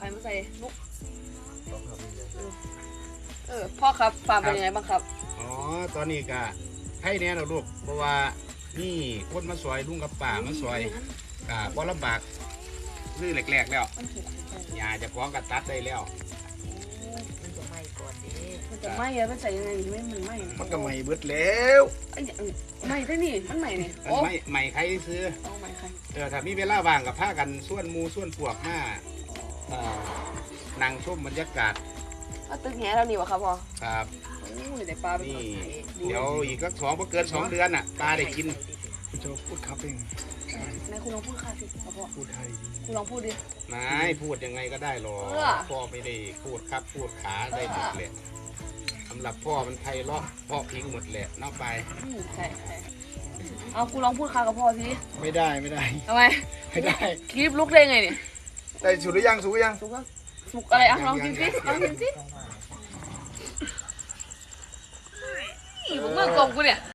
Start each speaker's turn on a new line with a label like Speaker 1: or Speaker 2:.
Speaker 1: รมาใส่ลูกพ่อครับฟาร์มเป็นยังไงบ้างครับ
Speaker 2: อ๋อตอนนี้ก็ให้แน่เราลูกเพราะว่านี่คนมาซอยลุงกับป่ามาซอยบ่ลำบากลื้อแหลกๆแล้วอย่าจะฟ้องกับตัดได้แล้ว
Speaker 3: มันจะไหม้ก่อนดิ
Speaker 1: มันจะไหม้อะมันใส่ยังไงไม่มันไหม้
Speaker 2: มันก็ไหม้เบิดแล้ว
Speaker 1: ไหม้ได้นี่มันไหม้นี่
Speaker 2: ไหม้ใครซื้อ
Speaker 1: ไหม้ใคร
Speaker 2: ถ้ามีเวลาว่างกับผ้ากันส่วนมูส่วนพวกมานั่งชมบรรยากาศ
Speaker 1: ตึกแง่เรานี่วะครับพ่อ
Speaker 2: ครับ
Speaker 1: แต่ปลาเป็น
Speaker 2: นี่เดี๋ยวอีกสัก2เกิน2 เดือนน่ะปลาได้กิน
Speaker 4: จะพูดครับเอง
Speaker 1: นายคุณลองพูดค่ะสิพ่อ
Speaker 4: พูดไทย
Speaker 1: คุณลองพูดดิ
Speaker 2: นายพูดยังไงก็ได้หรอกพ่อไม่ได้พูดครับพูดขาได้หมดเลยสำหรับพ่อมันไทยเลาะพ่อพิงหมดแหละนอกไป
Speaker 1: ใช่เอาคุณลองพูดค่ะกับพ่อสิ
Speaker 4: ไม่ได้
Speaker 1: ทำไม
Speaker 4: ไม่ได้
Speaker 1: คลิปลุกได้ไงเนี่ย
Speaker 4: ได้สุกหรือยัง
Speaker 1: สุกอะไรอ่ะลองกินสิมึงเมื่อกลมกูเนี่ย